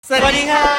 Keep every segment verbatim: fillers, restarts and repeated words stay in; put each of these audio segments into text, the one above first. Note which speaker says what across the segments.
Speaker 1: สวัสดีค่ะ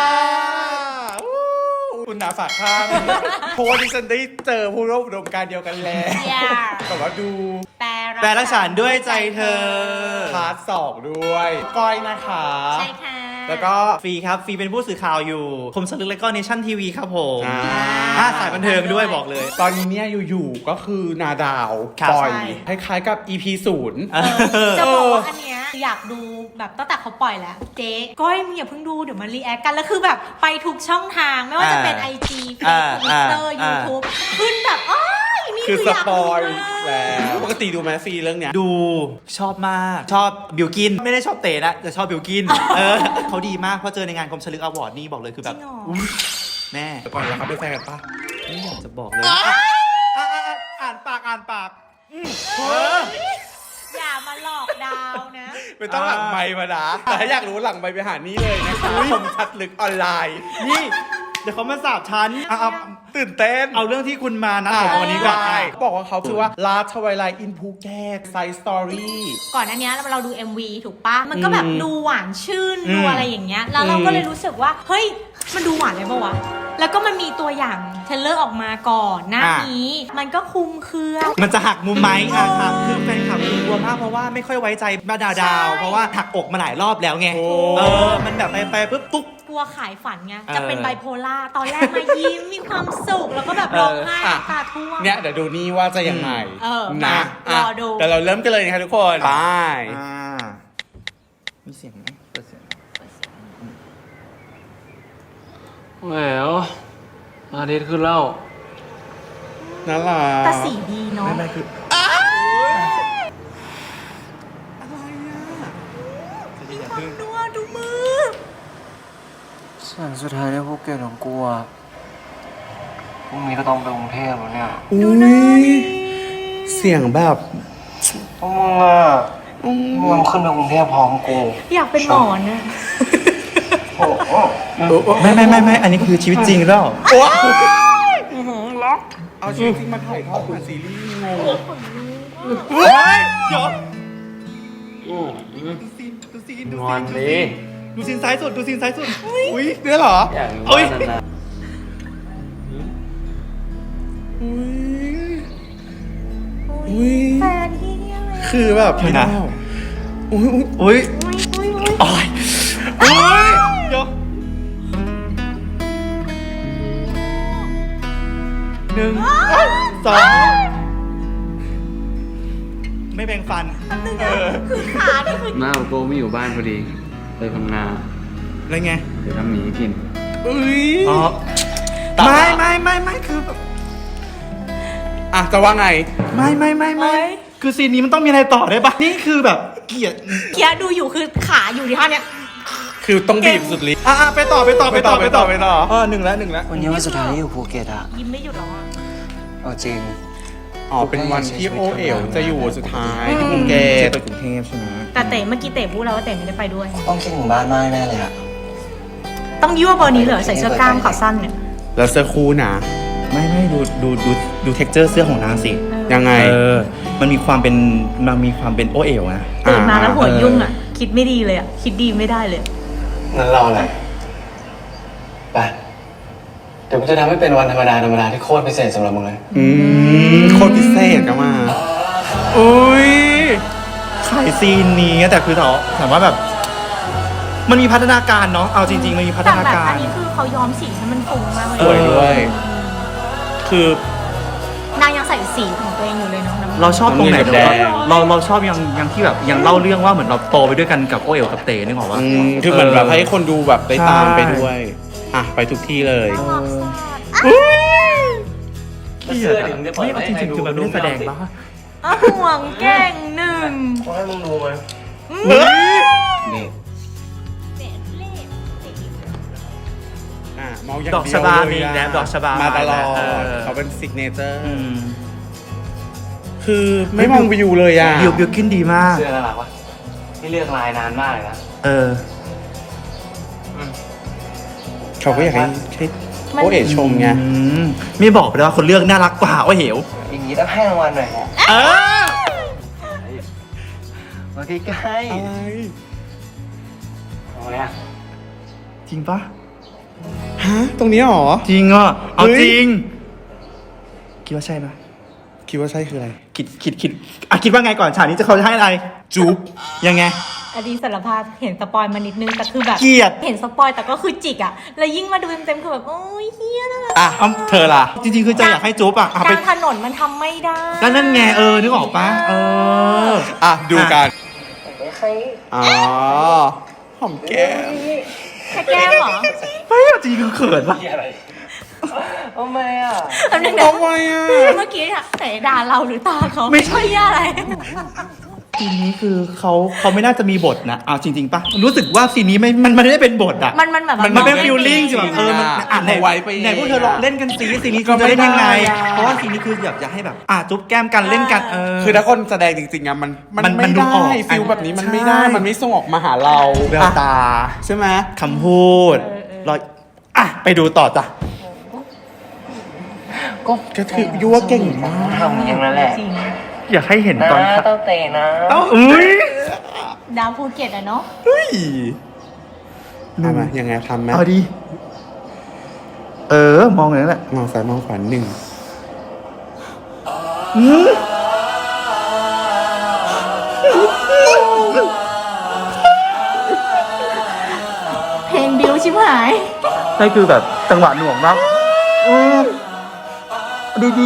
Speaker 1: คุณนาฝากข้างเพราะว่าดิฉันได้เจอผู้ร่วมอุดมการณ์เดียวกันแล้วแต่ว่าดู
Speaker 2: แปลรักฉันด้วยใจเธอ
Speaker 1: พาร์ทสองด้วยก้อยนะคะ
Speaker 2: ใช่ค่ะ
Speaker 1: แล้วก็
Speaker 2: ฟรีครับฟรีเป็นผู้สื่อข่าวอยู่คมสลึกและก็เนชั่นทีวีครับผม
Speaker 1: อ่า
Speaker 2: อ่าสายบันเทิงด้วยบอกเลย
Speaker 1: ตอนนี้เนี่ยอยู่ๆก็คือนาดาว
Speaker 2: ครับ
Speaker 1: ปล่อย
Speaker 3: ใช่
Speaker 1: คล้ายๆกับ อี พี ศูนย์
Speaker 2: เออ
Speaker 3: จะบอกว่าอันเนี้ยอยากดูแบบตั้งแต่เขาปล่อยแล้ว เจ๊ก้อยมึงอย่าเพิ่งดูเดี๋ยวมันรีแอคกันแล้วคือแบบไปทุกช่องทางไม่ว่าจะเป็น ไอ จี
Speaker 2: อ่า
Speaker 3: Facebook Twitter
Speaker 2: อ่า
Speaker 3: YouTube ขึ้นแบบอ้ายนี่
Speaker 1: คือ
Speaker 3: คือ
Speaker 1: ส
Speaker 3: อยาก
Speaker 1: ป
Speaker 3: ดู
Speaker 1: อย
Speaker 3: มาก
Speaker 1: แล้วปกติดูแมสซีเรื่องเนี้ย
Speaker 2: ดูชอบมากชอบบิวกินไม่ได้ชอบเตะนะแต่ชอบบิวกินเออเขาดีมากเพราะเจอในงานคมสลึกอวอร์ดนี่บอกเลยคือแบบ
Speaker 3: จริงเหรอ
Speaker 2: อุ๊ยแม่
Speaker 1: ก่อนแล้วเขาเป็นแฟนกันปะ
Speaker 2: ไม่อยากจะบอกเลย
Speaker 1: อ่ะอ่ะอ่ะอ่านปากอ่านปากอืมเออ
Speaker 3: อย่ามาหลอกดาวนะ
Speaker 1: ไม่ต้องหลังไมค์มานะแต่ถ้าอยากรู้หลังไมค์ไปหานี่เลยนะคะคมชัดลึกออนไลน์
Speaker 2: นี่เดี๋ยวเขามาสาบฉันเอาเอา
Speaker 1: ตื่นเต้น
Speaker 2: เอาเรื่องที่คุณมานะของวันนี้ก่อน
Speaker 1: ได้บอกว่าเขาชื่อว่า Last Twilight in Phuket Side Story
Speaker 3: ก่อนอันเนี้ยเราดู เอ็ม วี ถูกปะมันก็แบบ
Speaker 1: อืม
Speaker 3: ดูหวานชื่น
Speaker 2: อืม
Speaker 3: ดูอะไรอย่างเงี้ยแล้วเรา
Speaker 1: อืม
Speaker 3: ก็เลยรู้สึกว่าเฮ้ยมันดูหวานเลยปะวะแล้วก็มันมีตัวอย่างเทรลเลอร์ออกมาก่อนหน้านี้มันก็คุมเครือ
Speaker 2: มันจะหักมุมไหมอ่ะ
Speaker 3: เออ
Speaker 2: หักคือแฟนคลับคือกลัวมากเพราะว่าไม่ค่อยไว้ใจมาดาดาว
Speaker 3: ใช่
Speaker 2: เพราะว่าหักอกมาหลายรอบแล้วไง
Speaker 1: โอ้
Speaker 2: เออ มันแบบไปไปปุ๊บตุ๊ก
Speaker 3: กลัวขายฝันไง
Speaker 2: เออ
Speaker 3: จะเป็นไบโพล่าตอนแรกมายิ้มมีความสุขแล้วก็แบบร้องไห้
Speaker 1: เอออ่ะ
Speaker 3: น้ำตาท่วม
Speaker 1: เนี่ยเดี๋ยวดูนี่ว่าจะยังไง
Speaker 3: เออ
Speaker 1: นะ
Speaker 3: รอดู
Speaker 1: เดี๋ยวเราเริ่มกันเลยนะคะทุกคนไป
Speaker 2: อ่ามีเสียงไหมเปิดเสียง
Speaker 4: แหมวอาทิตย์ขึ้นแล้ว
Speaker 1: น่ารัก
Speaker 3: แต่สีดีเนาะ
Speaker 2: ไม่ไม่คือ
Speaker 3: ดูอ่ะดูมือ
Speaker 4: ส่วนสุดท้ายในภูเก็ตของกูอ่ะพรุ่งนี้ก็ต้องไปกรุงเทพแล้วเนี่ย
Speaker 1: อุ้ยเสียงแบบ
Speaker 4: พวกมึงอ่ะมึงขึ้นไปกรุงเทพพร้อมกู
Speaker 3: อยากเป็นหมอนะ
Speaker 4: โอ้โห
Speaker 2: ไม่ไม่ไม่ไม่อันนี้คือชีวิตจริงหรือเปล่า
Speaker 1: เอาชีวิตจริงมาถ่ายทอดผ่านซีรีส์งง
Speaker 2: เฮ้ยเดี๋ยว
Speaker 1: ดูซีนดูซีนดู
Speaker 4: น
Speaker 1: ซี
Speaker 4: อน
Speaker 1: น
Speaker 4: ดิ
Speaker 2: ดูซีนซ้ายสุดดูซีนซ้ายสุด
Speaker 1: อุ้ยเนี่ยเหรอ
Speaker 4: อย่าง
Speaker 2: เอ้
Speaker 4: ว่าย นาน
Speaker 1: อุ้ยอุ้ย
Speaker 3: แฟนที่เนี่ยเลย
Speaker 1: คือแบบ
Speaker 2: เดี๋ยวนะ
Speaker 1: อุ้ยอุ้ย
Speaker 2: อุ้ย
Speaker 3: อุ้ยอุ้ยอุ้ย
Speaker 2: โอ้ยอุ้ยเดี๋ยวหนึ่งสองไม่แบ่งฟัน
Speaker 3: เออคือขานี่คือ
Speaker 4: ๆหน้าโกไม่อยู่บ้านพอดีไปพังงา
Speaker 2: อะไรไง
Speaker 4: เดี๋ยวทำหมีกิน
Speaker 1: อุ้ย
Speaker 2: อ๋อไม่ไม่ไม่ไม่คือแบบ
Speaker 1: อ่ะจะว่าไง
Speaker 2: ไม่ไม่ไม่ไม่คือซีนนี้มันต้องมีอะไรต่อได้ปะนี่คือแบบเกลียด
Speaker 3: เกียร์ดูอยู่คือขาอยู่ที่ท่าเนี้ย
Speaker 1: คือต้องบีบสุดฤทธิ์
Speaker 2: อ่ะอ่ะไปต่อไปต่อไปต่อ
Speaker 1: ไปต่อไปต่อ
Speaker 2: เออหนึ่งแล้วหนึ่งแล้ว
Speaker 4: วันนี้วันสุดท้ายที่อยู่ภูเก็ตอ่ะ
Speaker 3: ยิ้มไม่หยุดแล้วอ่ะ
Speaker 4: เอาจริง
Speaker 1: อ๋อเป็นวันที่โอเอ๋วจะอยู่สุดท้ายที่ภูเก็
Speaker 2: เก
Speaker 1: ต
Speaker 2: ไปกรุงเทพใช่ไหม
Speaker 3: แต่เต๋เมื่อกี้เต๋พูดแล้วว่าเต๋ไม่ได้ไปด้วย
Speaker 4: ต้องคิดถึงบ้านมากแน่เลยอ่ะ
Speaker 3: ต้องยั่วเบอร์นี้เหรอใส่เสื้อกล้ามขาสั้นเนี่ย
Speaker 1: แล้วเสื้อคู่นะ
Speaker 2: ไม่ไม่ดูดูดูดูเท็กเจอร์เสื้อของนางสิ
Speaker 1: ยังไง
Speaker 2: เออมันมีความเป็นมันมีความเป็นโอเอ๋วนะ
Speaker 3: ตื่นมาแล้วหัว
Speaker 2: เออ
Speaker 3: ยุ่งอ่ะ คิดไม่ดีเลยอ่ะ คิดดีไม่ได้เลย
Speaker 4: งั้นรออะไรไป เดี๋ยวกูจะทำให้เป็นวันธรรมดาธรรมดาที่โคตรพิเศษสำหรับมึงเลย
Speaker 1: อืมโคตรพิเศษก็มา อุ้ย
Speaker 2: ขายซีนนี้แต่คือถามถามว่าแบบ มันมีพัฒนาการเนาะเอาจริงๆมันมีพัฒ
Speaker 3: แต่
Speaker 2: นา
Speaker 3: แบบ
Speaker 2: การ
Speaker 3: อันนี้คือเขาย้อมสีให้มันฟุ้งมากเลย
Speaker 1: สวยด้วย คือ
Speaker 3: นางยังใส่สีของตัวเองอยู่เลยเนาะน้ำ
Speaker 2: เราชอบตรงไหน
Speaker 1: น้ำเงินกับแดง
Speaker 2: เราเราชอบยังยังที่แบบยังเล่าเรื่องว่าเหมือนเราโตไปด้วยกันกับโอเอ๋วกับเตนึกออกปะ
Speaker 1: อืมคือเหมือนแบบให้คนดูแบบได้
Speaker 2: ใช่
Speaker 1: ตามไปด้วย อ่ะ ไปทุกที่เลย
Speaker 2: เสื้อถึงจะปล่อยไม่จริงๆคือมันไม่ได้แสดงปะ
Speaker 3: อ่ะห่วงแก่งหนึ่ง
Speaker 4: ขอให้มึงดูไหม นี่
Speaker 1: อ่ะมองอย่าง
Speaker 2: ดอก
Speaker 1: เดียว
Speaker 2: ชบา
Speaker 1: เลย
Speaker 2: มี
Speaker 1: อะ
Speaker 2: แล้วดอกชบา
Speaker 1: มาตลอด
Speaker 2: เออ
Speaker 1: เขาเป็นซิกเนเจอร์
Speaker 2: อืม
Speaker 1: คือไม่มองวิวเลยอ่ะ
Speaker 2: บิวบิวขึ้นดีมาก
Speaker 4: เสื้อน่ารักวะนี่เลือกลายนานมากเลยนะ
Speaker 2: เออ
Speaker 1: เขาก็อยากให้ให้โอเอ๋ชมไง
Speaker 2: อืมไม่บอกไปเลยว่าคนเลือกน่ารักกว่าโอ้เหว
Speaker 4: อย่างนี้ต้องให้รางวัลหน่อยฮะ
Speaker 2: เออ
Speaker 4: มาใกล้
Speaker 1: อะไร
Speaker 4: ๆเอาไงอะ
Speaker 1: ท
Speaker 2: จริงปะ
Speaker 1: ฮะ ตรงนี้หรอ
Speaker 2: จริงอ่ะเอา
Speaker 1: เฮ้ย
Speaker 2: จริง คิดว่าใช่ปะ
Speaker 1: คิดว่าใช่คืออะไร
Speaker 2: คิดคิดคิดอ่ะคิดว่าไงก่อนฉากนี้จะเขาจะให้อะไร
Speaker 1: จุ๊บ
Speaker 2: ยังไง
Speaker 3: อดีสารภาพเห็นสปอยมานิดนึงแต่คือแบบ
Speaker 2: เกลียด
Speaker 3: เห็นสปอยแต่ก็คือจิกอะแล้วยิ่งมาดูเต็มๆคือแบบโอ้ยเฮียนะ
Speaker 2: อ่ะเอาเธอล่ะ จริงๆ คือจะอยากให้จุ๊บอ่ะอ่ะ
Speaker 3: ก
Speaker 2: ไป
Speaker 3: ลางถนนมันทำไม่ได้
Speaker 2: ก็นั่นไงเออนึกออกปะเออ
Speaker 1: อ่ะ ดูกัน
Speaker 4: ไม่ใคร
Speaker 1: อ๋อ หอมแก้ม
Speaker 3: แค่แก้มเหรอ
Speaker 2: ไม่เอาจริงคือเขินปะ
Speaker 4: ที่อะไรทำไมอ่ะ
Speaker 3: อันนึง
Speaker 1: ทำไมอ่ะ
Speaker 3: เมื่อกี้อะแต่ด่าเราหรือตาเขา
Speaker 2: ไม่ใช่
Speaker 3: เหี้ยอะไร
Speaker 2: ซีนนี้คือเขาเขาไม่น่าจะมีบทนะเอาจริงๆปะรู้สึกว่าซีนนี้ไม่มันมันไม่ได้เป็นบทอ่ะ
Speaker 3: มันมันแบบ
Speaker 1: มัน
Speaker 2: มันเป็น
Speaker 3: อง
Speaker 2: ฟิลลิ่ง
Speaker 3: ไม่
Speaker 2: สิแบบเออมัน
Speaker 1: อ่ะ
Speaker 2: อ่านไหน
Speaker 1: เอาไว้ไป
Speaker 2: ไหนพวกเธอลองเล่นกันซีซีนนี้
Speaker 1: ก็
Speaker 2: คุณจะเล่นยังไง
Speaker 1: ไม่ได้อ่ะ
Speaker 2: เพราะว่าซีนนี้คืออยากจะให้แบบอ่ะจุ๊บแก้มกันเล่นกันเออ
Speaker 1: คือถ้าคนแสดงจริงๆอ่ะมัน
Speaker 2: มัน
Speaker 1: ไม่
Speaker 2: มันดูออก
Speaker 1: ได้ฟิลแบบนี้มันไม่ได้
Speaker 2: ใช่
Speaker 1: มันไม่ส่งออกมาหาเรา
Speaker 2: แววตา
Speaker 1: ใช่ไหม
Speaker 2: คำพูดรอยอ่ะไปดูต่อจ้ะ
Speaker 4: ก็
Speaker 1: ก็ถือยั่วเก่งมาก
Speaker 4: ทำอย่างนั้นแหละ
Speaker 3: จริง
Speaker 2: อยากให้เห็น
Speaker 4: นะ
Speaker 2: ตอน
Speaker 4: ต้องเตะนะ
Speaker 2: เอ้าอุ้ย
Speaker 3: ดาวภูเก็ตอะเนาะ
Speaker 1: เฮ้ยทำไมยังไงทำไหม
Speaker 2: เอาดีเออมองอย่างนั้นแหละ
Speaker 1: มองซ้ายมองขวาหนึ่ง
Speaker 2: อืม
Speaker 3: เพลงบิวชิบหาย
Speaker 2: นี่คือแบบจังหวะหน่วงมากอืมดีดี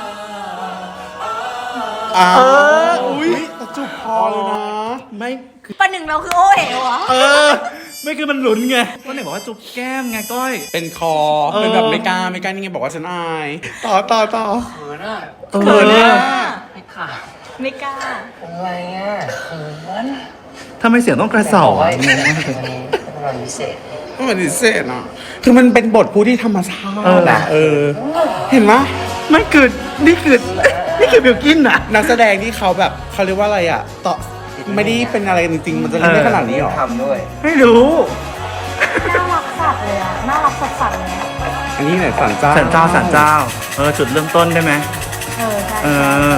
Speaker 1: อ้าว
Speaker 2: เอออุ๊ย
Speaker 1: แต่จุบพอเลยนะ
Speaker 2: ไม่คือ
Speaker 3: ประหนึ่งเราคือโอเอ๋วอะ
Speaker 2: เออ ไม่คือมันหลุนไงก็ไหนบอกว่าจุ๊บแก้มไงก้อย
Speaker 1: เป็นคอ
Speaker 2: เออ
Speaker 1: เป็นแบบไม่กล้าไม่กล้านี่ไงบอกว่าฉันอาย ต่อต่อต่อ
Speaker 4: เขินอ่ะ
Speaker 2: เออ
Speaker 1: เขินเนี่ย
Speaker 4: ไม่ค่ะ
Speaker 3: ไม่กล้า
Speaker 4: อะไรอ่ะเขิน
Speaker 2: ทำไมเสียงต้องกระเสา
Speaker 4: บอกว่า
Speaker 2: อ่ะ
Speaker 4: วันนี้เป็นวันพิเศษ
Speaker 1: ไม่เหมือนดิเซนอ่ะคือมันเป็นบทผู้ที่ธรรมชา
Speaker 2: เออ
Speaker 1: ติอะเออ เห็นไหม
Speaker 2: ไม่คือนี่คือนี่คือบิวกินอ่ะ
Speaker 1: นักแสดงที่เขาแบบเขาเรียกว่าอะไรอ่ะต่อไม่ได้เป็นอะไรจริงๆมันจะเล่นได้ขนาดนี้หรอ
Speaker 4: ทำด้วย
Speaker 2: ไม่รู้
Speaker 3: น่ารักสัตว์เลยอะน่ารักสัตว์สัตว์เลยอะ
Speaker 1: อันนี้ไหนสันเจ้า
Speaker 2: สันเจ้าสันเจ้า เออ จุดเริ่มต้นได้ไหม
Speaker 3: เออใช่
Speaker 2: เออ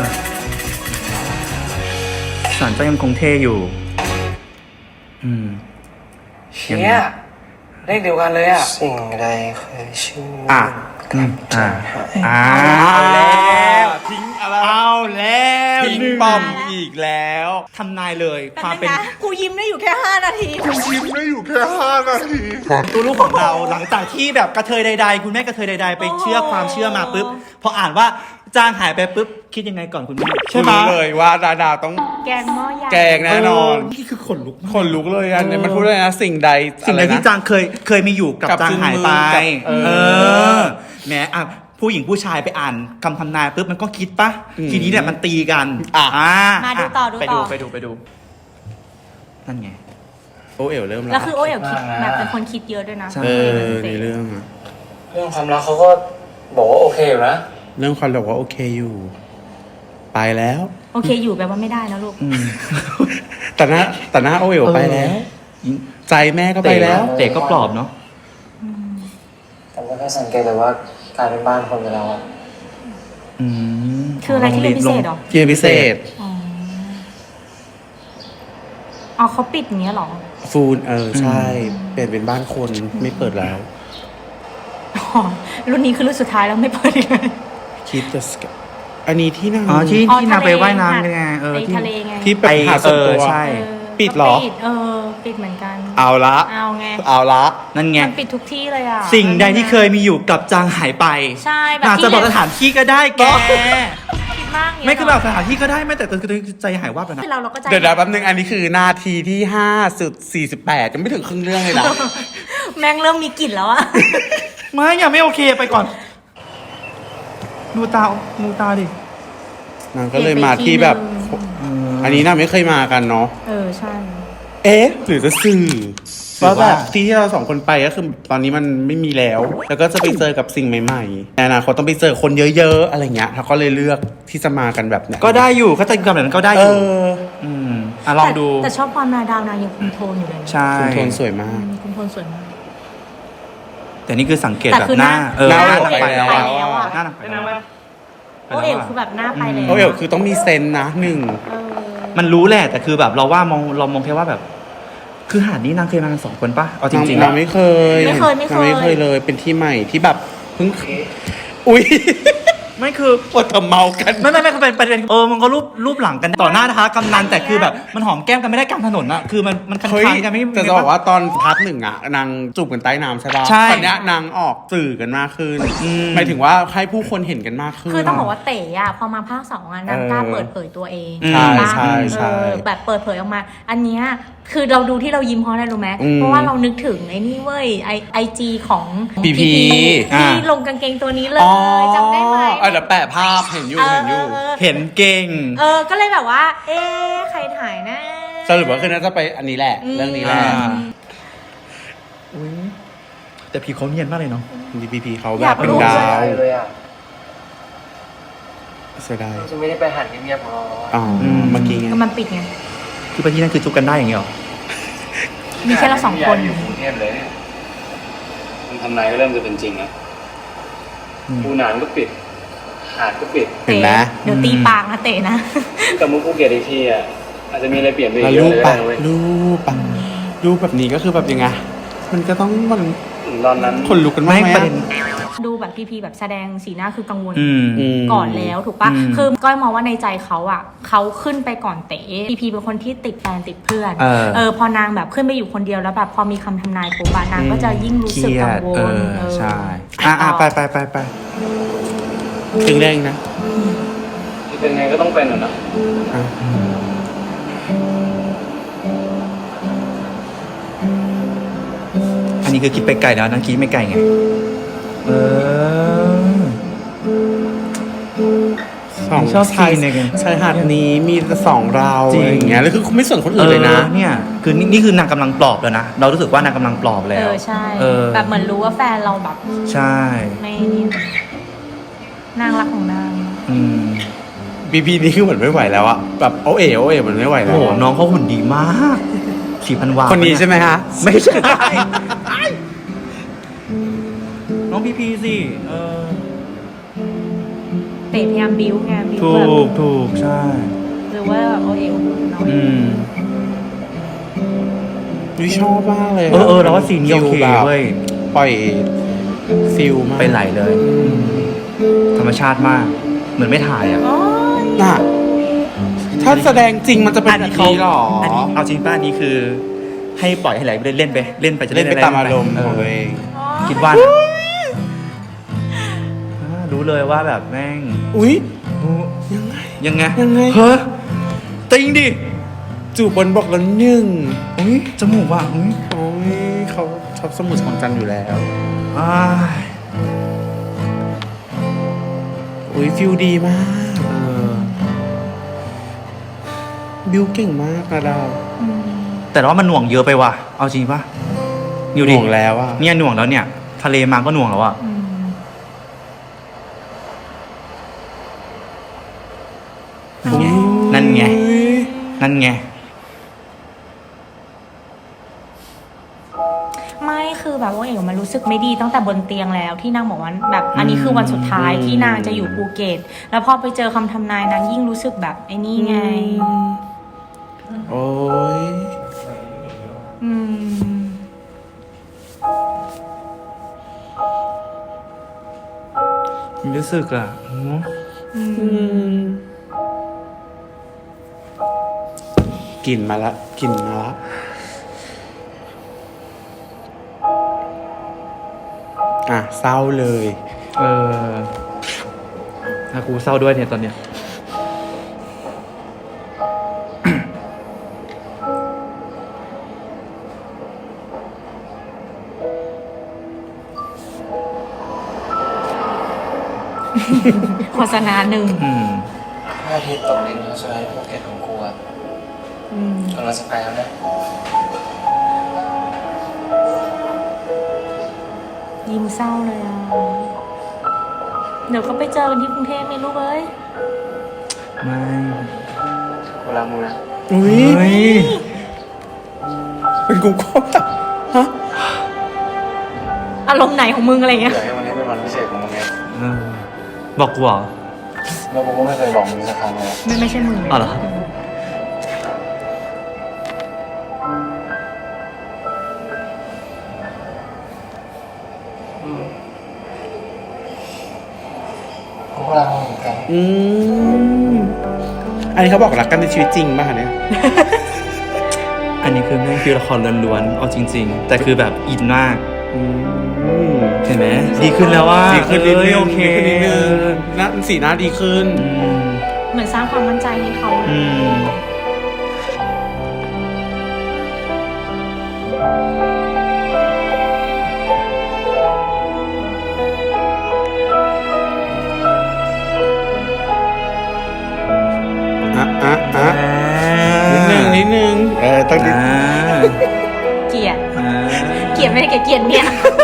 Speaker 2: สันเจ้ายังคงเท่อยู่ อืม
Speaker 4: เชี่ยเลขเดียวกันเลยอ่ะ สิ่งใดเคยชื่อ
Speaker 1: อ่ะ
Speaker 2: อืมอ่าอ่า
Speaker 1: เอาแล้วทิ้งอะไร
Speaker 2: เอาแล้ว
Speaker 1: ทิ้ง
Speaker 2: หนึ่
Speaker 1: ปอมอีกแล้ว
Speaker 2: ทำนายเลยความ
Speaker 3: เป็
Speaker 2: เป็น น
Speaker 3: นะกูยิ้มได้อยู่แค่ห้านาที
Speaker 1: ยิ้มไม่อยู่แค่ห้านาที
Speaker 2: ตัวลูกของเราหลังจากที่แบบกระเทยใดๆ คุณแม่กระเทยใดๆ ไปเชื่อความเชื่อมาปุ๊บพออ่านว่าจางหายไปปุ๊บคิดยังไงก่อนคุณแม่ใช่ไหม
Speaker 1: รู้เลยว่าดาดาต้อง
Speaker 3: แกงหม้อใหญ่
Speaker 1: แกงแน่นอน
Speaker 2: เนี่คือขนลุกมาก
Speaker 1: คนลุกเลยอันนี้มันพูดเลยนะสิ่งใด
Speaker 2: สิ่งใด
Speaker 1: อะไรนะ
Speaker 2: ที่จางเคยเคยมีอยู่กับ
Speaker 1: กับ
Speaker 2: จางหายไป
Speaker 1: กับเออ
Speaker 2: เออแหมอ่ะผู้หญิงผู้ชายไปอ่านคำทำนายปุ๊บมันก็คิดปะ
Speaker 1: อืม
Speaker 2: ทีนี้เนี่ยมันตีกัน
Speaker 1: อ่ะ
Speaker 3: มาดูต่อดู
Speaker 2: ไป
Speaker 3: ต่
Speaker 2: ดู
Speaker 3: อ
Speaker 2: ไปดูไปดูนั่นไง
Speaker 1: โอเอ๋วเริ่ม
Speaker 3: แล้
Speaker 1: แล้ว ว
Speaker 3: คือโอเอ๋วคิดแบบเป็นคนคิดเยอะด้วยนะ
Speaker 2: ใช่
Speaker 1: เออในเรื่องอะ
Speaker 4: เรื่องความรักเขาก็บอกว่าโอเคอยู่นะ
Speaker 1: เรื่องความบอกว่าโอเคอยู่ ไปแล้ว
Speaker 3: โอเคอยู่แปลว่าไม่ได้นะลูก
Speaker 2: อืม
Speaker 1: แต่หน้าแต่หน้าโอเอ๋วไปแล้ว ใจแม่ก็ไปแล้ว
Speaker 2: เตะก็ปลอบเนาะ
Speaker 4: แต่ไม่ค่อยสังเกตเลยว่ากลายเป็นบ้านคนไปแล้วอะ
Speaker 2: อืม
Speaker 3: คืออะไรที่เป็นพิเศษเหรอ
Speaker 1: เกียร์พิเศษ
Speaker 3: อ๋ออ๋อเขาปิดอย่างเงี้ยเหรอ
Speaker 1: ฟูนเออ ใช่ เปลี่ยนเป็นบ้านคนไม่เปิดแล้ว
Speaker 3: อ๋อ รุ่นนี้คือรุ่นสุดท้ายแล้วไม่เปิดอีกเลย
Speaker 1: คิดจะสกอันนี้ที่นั่ง
Speaker 2: อ๋อที่
Speaker 3: อ๋อ
Speaker 2: ที่นางไป
Speaker 3: ทะเล
Speaker 2: ว่ายน้ำกันไงเออ
Speaker 3: ไป
Speaker 2: ที่
Speaker 3: ทะเลไง
Speaker 1: ที่เป็นหาดส่วนตัว
Speaker 2: เออใช่
Speaker 3: เออ
Speaker 1: ปิดเหรอ
Speaker 3: ก็ปิดเออ ปิดเหมือนกัน
Speaker 1: เอาละ
Speaker 3: เอาไง
Speaker 1: เอาละ
Speaker 2: นั่นไง
Speaker 3: มันปิดทุกที่เลยอ่ะ
Speaker 2: สิ่งใดที่เคยมีอยู่กับจางหายไป
Speaker 3: ใช่แบบ
Speaker 2: อาจ
Speaker 3: ที่
Speaker 2: จะบอกสถานที่ก็ได้แก
Speaker 3: คิดมากเนี่ย
Speaker 2: ไม่คือแบบสถานที่ก็ได้ไม่แต่คือใจหายวับแล้วนะ
Speaker 3: คือเราเราก็ใจ
Speaker 1: เดี๋ยวนะแป๊บนึงอันนี้คือนาทีที่ห้าสุดสี่สิบแปดยังไม่ถึงครึ่งเรื่องเลยนะ
Speaker 3: แม่งเริ่มมีกลิ่นแล้วอะ
Speaker 2: ไม่อย่าไม่โอเคไปก่อนดูตาดูตาดิ
Speaker 1: นางก็เลยมาที่แบบ อันนี้น่าไม่เคยมากันเนาะ
Speaker 3: เออใช่
Speaker 1: เอ๊ะ หรือจะสื่อ
Speaker 2: หรือ
Speaker 1: ว่า
Speaker 2: ว่า
Speaker 1: แบบที่ที่เราสองคนไปก็คือตอนนี้มันไม่มีแล้ว แล้วก็จะไปเจอกับสิ่งใหม่ๆในอนาคตต้องไปเจอคนเยอะๆอะไรเงี้ยเขาก็เลยเลือกที่จะมากันแบบเนี้ย
Speaker 2: ก็ได้อยู่เขาจะกำแบบนั้นก็ได้
Speaker 1: เอ
Speaker 2: อยู่
Speaker 1: อ
Speaker 2: อืมอ่ะลองดู
Speaker 3: แต่แต่ชอบความนาดาวนายังคุมโทนอยู่เลยนะ
Speaker 2: ใช่
Speaker 1: คุณโทนสวยมาก
Speaker 3: อืมคุมโทนสวยมาก
Speaker 2: แต่นี่คือสังเกต
Speaker 3: แต่
Speaker 2: แบบ
Speaker 3: คือ
Speaker 2: หน้า
Speaker 3: หน้า
Speaker 2: เออ
Speaker 1: หน้า
Speaker 2: หน้า
Speaker 1: ไป
Speaker 2: ไปแล้ว
Speaker 1: แล้
Speaker 2: อะ
Speaker 1: วอะ
Speaker 2: หน้าไปแล้วอะ
Speaker 3: โอเอ๋วคือแบบหน้าไปเลย
Speaker 1: โอเอ๋วคือต้องมีเซนส์นะหนึ่ง
Speaker 3: เออ
Speaker 2: มันรู้แหละแต่คือแบบเราว่ามองเรามองแค่ว่าแบบคือหาดนี้นางเคยมากันสองคนปะเอาจริงๆ
Speaker 1: เรา
Speaker 2: อะ
Speaker 1: ไม่เคย
Speaker 3: ไม่เคยไม่เคย
Speaker 1: ราไม่เคยเลย เป็นที่ใหม่ที่แบบเพิ่ง อุ้ย
Speaker 2: ไม่คือ
Speaker 1: ปวดทำเมากัน
Speaker 2: ไม่ไม่ไม่เขาเป็นประเด็นเออมันก็รูปรูปหลังกันต่อหน้านะคะกำนันแต่คือแบบมันหอมแก้มกันไม่ได้กลางถนนอะคือมันมันคัน
Speaker 1: เฮ้ย
Speaker 2: คันกันไม่
Speaker 1: แต่จะบอกว่าตอนพาร์ทหนึ่งอะนางจูบกันใต้น้ำใช่ป่ะ
Speaker 2: ใช่
Speaker 1: ตอนเนี้ยนางออกสื่อกันมากขึ้น
Speaker 2: อืม
Speaker 1: หมายถึงว่าให้ผู้คนเห็นกันมากขึ้น
Speaker 3: คือต้องบอกว่าเต๋อะพอมาภาคสองอะนางกล้า
Speaker 1: เออ
Speaker 3: เปิดเผยตัวเอง
Speaker 2: อืม
Speaker 1: ใช่
Speaker 3: บ้าง
Speaker 1: ใช่ใช่
Speaker 3: เออแบบเปิดเผยออกมา อันเนี้ยคือเราดูที่เรายิ้มเพราะอะไรรู้ไหม
Speaker 1: อืม
Speaker 3: เพราะว่าเรานึกถึงไอ้นี่เว้ยไอไอจีของ
Speaker 1: พีพี
Speaker 3: ที่
Speaker 2: อ่า
Speaker 3: ลงกางเกงตัวนี้เลยจำได้ไหม
Speaker 1: เออเดี๋ยวแปะภาพเห็นอยู่เห็นอยู่
Speaker 3: เออ
Speaker 2: เห็นเก่ง
Speaker 3: เออ ก็เลยแบบว่า เอ๊ะใครถ่ายนะ
Speaker 1: สรุปว่าคือน่าจะไปอันนี้แหละ
Speaker 3: อืม
Speaker 1: เรื่องนี้แหละ
Speaker 2: อ่า อุ๊ยแต่พี่เขาเนียนมากเลยเนาะ
Speaker 1: ดีพีพีเขา
Speaker 3: อ
Speaker 1: แบ
Speaker 3: ยา
Speaker 1: บ
Speaker 3: ก
Speaker 1: เป็น
Speaker 3: รู้
Speaker 1: ดาว
Speaker 4: เลยอ่ะ
Speaker 1: เสียดาย
Speaker 4: จะไม่ได้ไปหันเงียบๆของเราอะ
Speaker 1: อ๋อเมื่อกี้ไง
Speaker 3: ก็มันปิดไง
Speaker 2: คือไปที่นั่นคือจุกกันได้อย่างเงี้ยหรอ
Speaker 3: มีแค่เราสองคน
Speaker 4: อยู่กรุงเทพเลยเนี่ยมันทำนายก็เริ่มจะเป็นจริงนะภูหนานก็ปิด หาดก็ปิด
Speaker 1: เห็นไหม
Speaker 3: เดี๋ยวตีปากนะเตะนะ
Speaker 4: กับมุกภูเก็ตอีกทีอ่ะอาจจะมีอะไรเปลี่ยนไปอี
Speaker 1: แล้ว
Speaker 4: กเย
Speaker 1: รู
Speaker 4: อะ
Speaker 1: ป
Speaker 4: เลย
Speaker 1: ปะ
Speaker 4: นะเว้ย
Speaker 1: รูปปะรูปแบบนี้ก็คือแบบยังไง มันก็ต้องมัน
Speaker 4: ถึงตอนนั้น
Speaker 1: คนลุกกันมาก
Speaker 2: ไม่
Speaker 1: ไหม
Speaker 2: ประเด็น
Speaker 3: ดูแบบพีพีแบบแสดงสีหน้าคือกังวล
Speaker 2: อืม
Speaker 1: ม
Speaker 3: ก่อนแล้วถูกปะ
Speaker 2: อืม
Speaker 3: คือก้อยมองว่าในใจเขาอ่ะเขาขึ้นไปก่อนเต๋พีพีเป็นคนที่ติดแฟนติดเพื่อน
Speaker 2: เออ
Speaker 3: พอนางแบบขึ้นไปอยู่คนเดียวแล้วแบบพอมีคำทำนายปุ๊บอะนางก็จะยิ่งรู้สึกกังว
Speaker 2: เอ
Speaker 3: ล
Speaker 2: อ
Speaker 3: เออ
Speaker 2: ใช่อ่ะอ่ะไปไปไปไป
Speaker 1: ครึ่งแรกนะ
Speaker 4: ที่เป็นไงก็ต้องเป็นอ่ะนะ
Speaker 1: อ่ะ
Speaker 2: อันนี้คือคิดไปไกลแล้วนั่นคิดไม่ไกลไง เออ
Speaker 1: สอง
Speaker 2: ชอบ
Speaker 1: ชาย
Speaker 2: ซีนเนี่ยไง
Speaker 1: ชายหาดนี้มีแต่สองเรา
Speaker 2: จริง
Speaker 1: อะไรอย่างเงี้ยแล้วคือไม่ส่วนคนอื่นเลยนะ
Speaker 2: ออเนี่ย คือนี่นี่คือนางกำลังปลอบแล้วนะ เรารู้สึกว่านางกำลังปลอบแล้ว
Speaker 3: เออใช่
Speaker 2: เออ
Speaker 3: แบบเหมือนรู้ว่าแฟนเราแบบ
Speaker 2: ใช่
Speaker 3: ไม่นี่นางรักของนาง
Speaker 2: อืม
Speaker 1: บีพีนี้คือเหมือนไม่ไหวแล้วอะแบบโอเอ๋โอเอ๋เหมือนไม่ไหวแล้
Speaker 2: โอ้
Speaker 1: ว
Speaker 2: โหน้องเขาหุ่นดีมากสี่พันวา
Speaker 1: คนนี้ใช่ไหมฮะ
Speaker 2: ไม่ใช่ น้องพีพีสิ เออ
Speaker 3: เต๋พยายามบิ้วไงบิ้ว
Speaker 2: ถู
Speaker 3: แบบ
Speaker 2: กถูกใช่
Speaker 3: หรือว่าแบบโอเอลน้อย
Speaker 2: อืม
Speaker 1: วิชอบมากเลยะ
Speaker 2: เออเออเราว่าซีนนี้โอเค
Speaker 1: ฟิลแบบ
Speaker 2: เว้ย
Speaker 1: ปล่อยฟิลมาก
Speaker 2: ไปไหลเลย ธรรมชาติมาก เหมือนไม่ถ่ายอ่ะ
Speaker 3: โอ้ย
Speaker 1: น่ะถ้าแสดงจริงมันจะเป็นแบบนี้หรอ
Speaker 2: อันนี้เอาจริงป้าอันนี้คือ ให้ปล่อยให้ไหลไปเล่นไป เล่นไปจะ
Speaker 1: เล่นไป
Speaker 2: อะ
Speaker 1: ตามอารมณ์
Speaker 2: เอ
Speaker 1: ของ
Speaker 2: อ
Speaker 1: ตัวเอง
Speaker 2: คิดว่านะอ่ารู้เลยว่าแบบแม่ง
Speaker 1: อุ้ย
Speaker 2: ยังไง ยังไง
Speaker 1: ยังไง
Speaker 2: เฮ้ยจริงดิ
Speaker 1: จูบบนบอกแล้วหนึ่ง
Speaker 2: อุ้ยจมูกว่ะอุ้ย
Speaker 1: โอ้ยเขาชอบสมุดของจันทร์อยู่แล้ว
Speaker 2: อ้าย
Speaker 1: อุ้ยฟิลดีมาก
Speaker 2: เออ
Speaker 1: บิวเก่งมากนะดาว
Speaker 2: แต่ว่ามันหน่วงเยอะไปว่ะ เอาจริงปะอยู่ดิ
Speaker 1: ห่วงแล้วอะ
Speaker 2: เนี่ยหน่วงแล้วเนี่ย ทะเลมาก็หน่วงแล้วอะ
Speaker 3: อืม
Speaker 2: นั่นไง นั่นไง
Speaker 3: ไม่คือแบบว่าเอ๋มันรู้สึกไม่ดีตั้งแต่บนเตียงแล้วที่นางบอกว่าแบบอันนี้คือวันสุดท้ายที่นางจะอยู่ภูเก็ตแล้วพอไปเจอคำทำนายนางยิ่งรู้สึกแบบไอ้นี่ไง
Speaker 1: โอ้ย
Speaker 3: อืม
Speaker 2: รู้สึกอะหือ
Speaker 3: อืม
Speaker 1: กลิ่นมาละกลิ่นมาละอ่ะเศร้าเลย
Speaker 2: เออถ้ากูเศร้าด้วยเนี่ยตอนเนี้ย
Speaker 3: โฆษณาหนึ่ง
Speaker 2: อืม
Speaker 4: พระอาทิตย์ตกดินแล้วใช่ไหมภูเก็ตของกูอ่ะ
Speaker 3: อืม
Speaker 4: กำลังจะไปแล้วนะ
Speaker 3: ยิ้มเศร้าเลยอ่ะเดี๋ยวก็ไปเจอกันที่กรุงเทพไม่รู้เอ้ย
Speaker 2: ไม่
Speaker 4: เวลามึงนะ
Speaker 1: อุ้ย
Speaker 2: เฮ้ย
Speaker 1: เป็นกูก็แบบฮะ
Speaker 3: อารมณ์ไหนของมึงอะไรเงี้ย
Speaker 4: อยากให้วันนี้เป็นวันพิเศษของมึงไง
Speaker 2: เออบอกกูเหรอ
Speaker 4: แล้วกูก็ไม่เคยบอกมึงสักครั้งเลย
Speaker 3: ไม่ไม่ใช่มึง
Speaker 2: อ๋อเหรอ
Speaker 3: ม
Speaker 4: พวกเราเหมือนกัน
Speaker 1: อืมอันนี้เขาบอกรักกันในชีวิตจริงป่ะคะเนี่ย
Speaker 2: อันนี้คือแม่งคือละครล้วนๆเอาจริง ๆ แต่คือแบบอินมาก
Speaker 1: อืม
Speaker 2: เห็นไหมดีขึ้นแล้วว่า
Speaker 1: ดีขึ้นนิดนึง
Speaker 2: โอเค
Speaker 1: ดีขึ้นนิดนึงหน้าสีหน้าดีขึ้น
Speaker 2: อืม
Speaker 3: เหมือนสร้างความมั่นใจให้เขา
Speaker 2: อืม
Speaker 1: อ่ะอ่ะอ่ะนิดนึงนิดนึงเออต้องนิด
Speaker 2: อ่า
Speaker 3: เกลียด
Speaker 2: อ่า
Speaker 3: เกลียดไม่ได้เกลียดเกลียดเนี่ย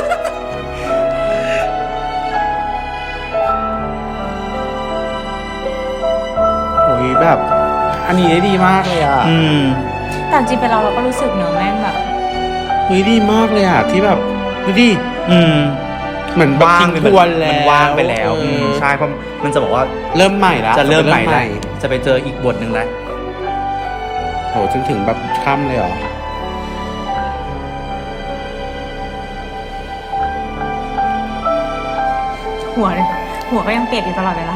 Speaker 1: โอ้ยแบบ อันนี้ได้ดีมากเลยอ่ะ
Speaker 2: อืม
Speaker 3: แต่จริงเป็นเราเราก็รู้สึกเนอะแม่งแบบ
Speaker 1: เฮ้ยดีมากเลยอ่ะที่แบบดูดิ
Speaker 2: อืม
Speaker 1: เหมือนว่างทวนแล้ว
Speaker 2: มันว่างไปแล้ว
Speaker 1: เออ
Speaker 2: อืมใช่เพราะมันจะบอกว่า
Speaker 1: เริ่มใหม่แล้ว
Speaker 2: จะเริ่มใหม่แล้วจะไปเจออีกบทหนึ่งแล้ว
Speaker 1: โหจนถึงแบบค่ำเลยเหรอ
Speaker 3: หัวเลยหัวก็ยังเปียกอยู่ตลอดเวลา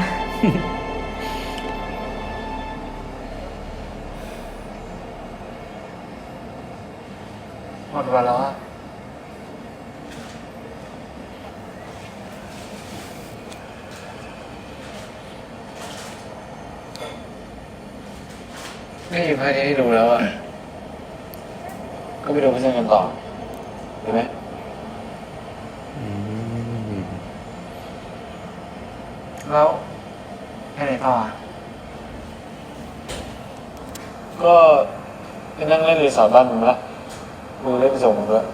Speaker 4: หมดวันแล้วอะไม่มีภาพให้ดูแล้วอะก็ไปดูพิจารณากันต่อดีไหมแล้วไปไหนต่ออะก็ไปนั่งเล่นรีสอร์ทบ้านมึงละมึงเล่นไปส่งมึงด้วย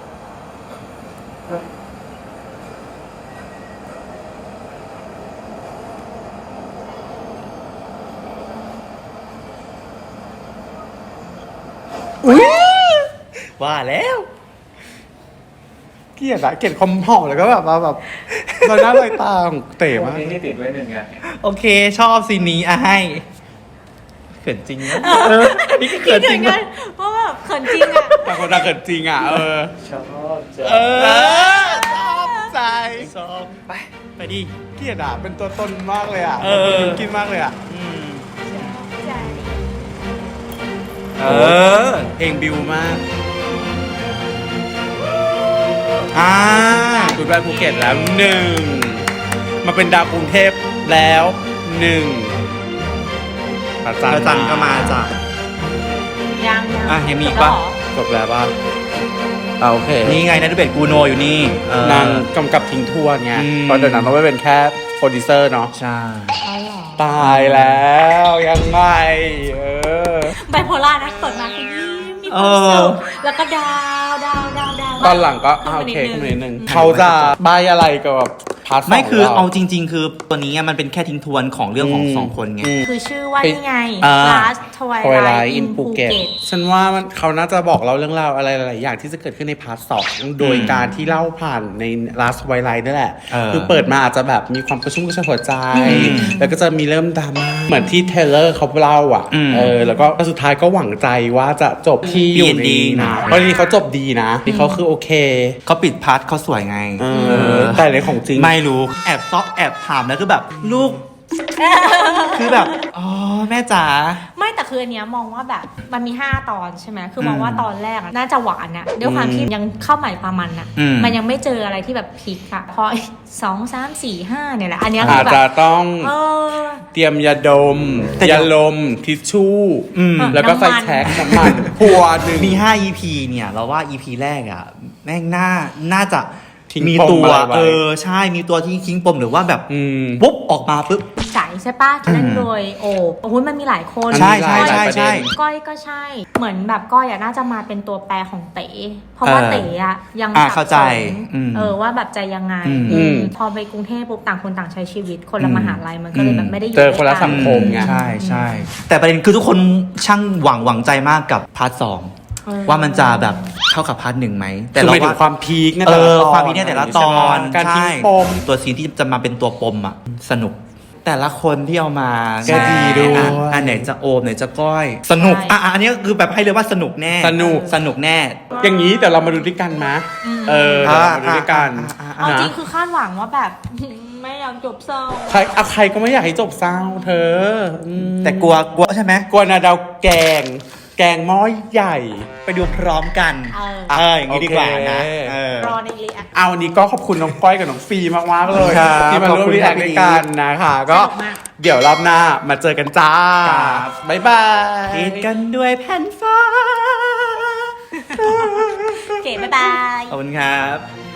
Speaker 2: ว่าแล้ว
Speaker 1: เกลียดอะเกลียดความหอมแล้วก็แบบว่าแบบลอยหน้าลอยตาของเต๋มาก
Speaker 4: วันนี้ที่ติดไว้หนึ่งไง
Speaker 2: โอเคชอบซีนนี้อ่ะให้เขินจริงนะนี่ก็เขินจริง
Speaker 3: คิดถึ
Speaker 2: นะ
Speaker 3: กันเพราะแบบเขินจริงอะ
Speaker 1: แต่คนเราเกิดจริงอ่ะ เออ
Speaker 4: ชอบจะ
Speaker 1: เออชอบใจ
Speaker 2: ชอบไปไปดิ
Speaker 1: เกลียดอ่ะเป็นตัวตนมากเลยอ่ะ
Speaker 2: เออ
Speaker 1: กินมากเลยอ่ะ
Speaker 2: อืม
Speaker 3: ใจ
Speaker 2: เออ
Speaker 1: เพลงบิวมาก
Speaker 2: อ่า
Speaker 1: คุณไปภูเก็ตแล้วหนึ่งมาเป็นดาวกรุงเทพแล้วหนึ่งพระ
Speaker 2: พระจันทร์ก็มาจ้ะ
Speaker 3: ยังยัง
Speaker 2: อ่ะยังมีอีก
Speaker 3: จบแล้
Speaker 2: ปะ
Speaker 3: วเหรอ
Speaker 1: จบแล้วป่ะอ่าโอเค
Speaker 2: นี่ไงนัทเบศกูโนอยู่นี่เออน
Speaker 1: างกำกับทิ้งทวนไง
Speaker 2: อืม
Speaker 1: เพราะเดี๋ยวนั้นเราไม่เป็นแค่โปรดิวเซอร์เนาะ
Speaker 2: ใช่
Speaker 3: อ๋อเหรอ
Speaker 1: ตายแล้วยังไงเออ
Speaker 3: ไบโพล่านะเปิดมาคือยิ้มมีความสุขแล้วก็ดาวดาวดาวดาว
Speaker 1: ตอนหลังก็อ่า
Speaker 3: ขึ้
Speaker 1: โอน เค
Speaker 3: ไป
Speaker 1: ขึ้น
Speaker 3: นิ
Speaker 1: นิ
Speaker 3: ด
Speaker 1: ด
Speaker 3: นึ
Speaker 1: นึ
Speaker 3: ง
Speaker 1: งเขาจะบายอะไรกับแบบพาร์ทสอง
Speaker 2: ไม่คือ
Speaker 1: ร
Speaker 2: เอาจริง ๆ คือตัวนี้มันเป็นแค่ทิ้งทวนของเรื่องของ
Speaker 1: อืม
Speaker 2: สองคนไง
Speaker 1: อืม
Speaker 3: คือชื่อว่านี่ไง
Speaker 2: อ่า
Speaker 3: Last
Speaker 1: ทวายไล
Speaker 3: Twilight
Speaker 1: ท์อิ
Speaker 3: in
Speaker 1: นภูเก็ต
Speaker 3: Phuket
Speaker 1: ฉันว่ามันเขาน่าจะบอกเราเรื่องราวอะไรหลายๆอย่างที่จะเกิดขึ้นในพาร์ทสองโดยการที่เล่าผ่านใน Last Twilight นั่นแหละ
Speaker 2: เออ
Speaker 1: คือเปิดมาอาจจะแบบมีความกระชุ่มกระชวยหัวใจ
Speaker 2: อืม
Speaker 1: แล้วก็จะมีเริ่มดราม่าเหมือนที่เทเลอร์เขาเล่าอ่ะ
Speaker 2: อืม
Speaker 1: เออแล้วก็สุดท้ายก็หวังใจว่าจะจบที่อยู่ใน
Speaker 2: ดี
Speaker 1: นะ
Speaker 2: นะ
Speaker 1: เพราะทีเขาจบดีนะที่เขาคือโอเค
Speaker 2: เขาปิดพาร์ทเขาสวยไง
Speaker 1: เออแต่ในของจริง
Speaker 2: ไม่รู้แอบซอกแอบถามแล้วคือแบบ ลูก คือแบบ อ๋อ แม่จ๋า
Speaker 3: ไม่แต่คืออันเนี้ยมองว่าแบบมันมีห้าตอนใช่ไหมคือมอง
Speaker 2: อืม
Speaker 3: ว่าตอนแรกอะน่าจะหวานนะด้วยความที่ยังเข้าใหม่ปลามันอะ
Speaker 2: อืม
Speaker 3: มันยังไม่เจออะไรที่แบบพลิกอะพอสองสามสี่ห้าเนี่ยแหละอันเนี้ยคื
Speaker 1: อา
Speaker 3: อ
Speaker 1: จ
Speaker 3: แบ
Speaker 1: จะ
Speaker 3: บ
Speaker 1: ต้อง
Speaker 3: เออ
Speaker 1: เตรียมยาดม
Speaker 2: แต่เดี๋
Speaker 1: ยา
Speaker 2: ยว
Speaker 1: ลมทิชชู่
Speaker 2: อืม
Speaker 1: แล้วก็ไฟ
Speaker 3: น้ำมัน
Speaker 1: แช็กน้ำมันพัวหนึ่ง
Speaker 2: มี ห้า อี พี เนี่ย เราว่า อี พี แรกอ่ะ แม่งน่า น่าจะ
Speaker 1: ทิ้ง
Speaker 2: มี
Speaker 1: ปม
Speaker 2: ตัว
Speaker 1: อะไรไว้
Speaker 2: เออ ใช่ มีตัวที่ทิ้งปมหรือว่าแบบ
Speaker 1: อืม
Speaker 2: ปุ๊บ ออกมาปุ๊บ
Speaker 3: ใสใช่ปะที่นั่น
Speaker 2: อืม
Speaker 3: โดยโอบโอ้ยมันมีหลายคน
Speaker 2: ใช่ใช่
Speaker 3: ก้อย
Speaker 2: ใช่ใช่
Speaker 3: ก้อยก็ใช่ เหมือนแบบก้อยอะน่าจะมาเป็นตัวแปรของเต๋เพราะว่า
Speaker 2: เออ
Speaker 3: เต๋อะยัง
Speaker 2: อ่ะ
Speaker 3: สับ
Speaker 2: เข้า
Speaker 3: ส
Speaker 2: ใจ
Speaker 3: น
Speaker 2: อืม
Speaker 3: เออว่าแบบจะยังไง
Speaker 2: อืม
Speaker 3: อืม
Speaker 1: อืม
Speaker 3: พอไปกรุงเทพปุ๊บต่างคนต่างใช้ชีวิต คนละ
Speaker 2: อืม
Speaker 3: มหาลัยมันก็เลยแบบไม่ได้อยู่
Speaker 1: เจอคนละ
Speaker 3: ด้วยกั
Speaker 1: สังคมไง
Speaker 2: ใช่ใช่ แต่ประเด็นคือทุกคนช่างหวังหวังใจมากกับพาร์ทสอง
Speaker 3: เออ
Speaker 2: ว่ามันจะแบบเข้ากับพาร์ทหนึ่งไหม
Speaker 1: แต่
Speaker 2: แต่
Speaker 1: เรา
Speaker 2: เรา
Speaker 1: ถึ
Speaker 2: ว่า
Speaker 1: งความพีคใน
Speaker 2: เอ
Speaker 1: แต่ละ
Speaker 2: อ
Speaker 1: ตอน
Speaker 2: ความพีคเนี่ยแต่ละตอน
Speaker 1: การทิ้ง
Speaker 2: ใช่
Speaker 1: ปม
Speaker 2: ตัวซีนที่จะมาเป็นตัวปมอ่ะ สนุกแต่ละคนที่เอามา
Speaker 1: ก็ดีด้วย
Speaker 2: อ่ะอันไหนจะโอมไหนจะก้อย สนุก
Speaker 3: ใช่
Speaker 2: อ่ะอ่ะอันนี้ก็คือแบบให้เลยว่าสนุกแน่
Speaker 1: สนุก
Speaker 2: สนุกแน่
Speaker 1: อย่างนี้แต่เรามาดูด้วยกันมะเออเดี๋ยวเรามาดูด้วยกัน
Speaker 2: อ่าอ่า
Speaker 3: เอาจริง
Speaker 1: นะ
Speaker 3: คือคาดหวังว่าแบบ ไม่อยากจบเศร้า
Speaker 1: ใครอะใครก็ไม่อยากให้จบเศร้าเธออืม
Speaker 2: แต่กลัวกลัวใช่ไหม
Speaker 1: กลัวนาดาวแกง แกงหม้อใหญ่
Speaker 2: ไปดูพร้อมกัน
Speaker 3: เออ
Speaker 2: เอออย่างนี้ดีกว่านะ
Speaker 1: โอเค
Speaker 2: เออ
Speaker 3: รอในรีแอค
Speaker 1: เอาวันนี้ก็ขอบคุณน้องก้อยกับน้องฟีมากๆเลย
Speaker 2: ครับ
Speaker 1: ที่มาร่วม
Speaker 2: ขอบคุณ
Speaker 1: รีแอค
Speaker 2: ครับ
Speaker 1: ด้วยกันนะคะก็
Speaker 3: สนุกมาก
Speaker 1: เดี๋ยวรอบหน้ามาเจอกันจ้า
Speaker 2: ครับ
Speaker 1: บ๊ายบาย
Speaker 2: คิดกันด้วยแผ่นฟ้า
Speaker 3: เก๋บ๊ายบาย
Speaker 2: ขอบคุณครับ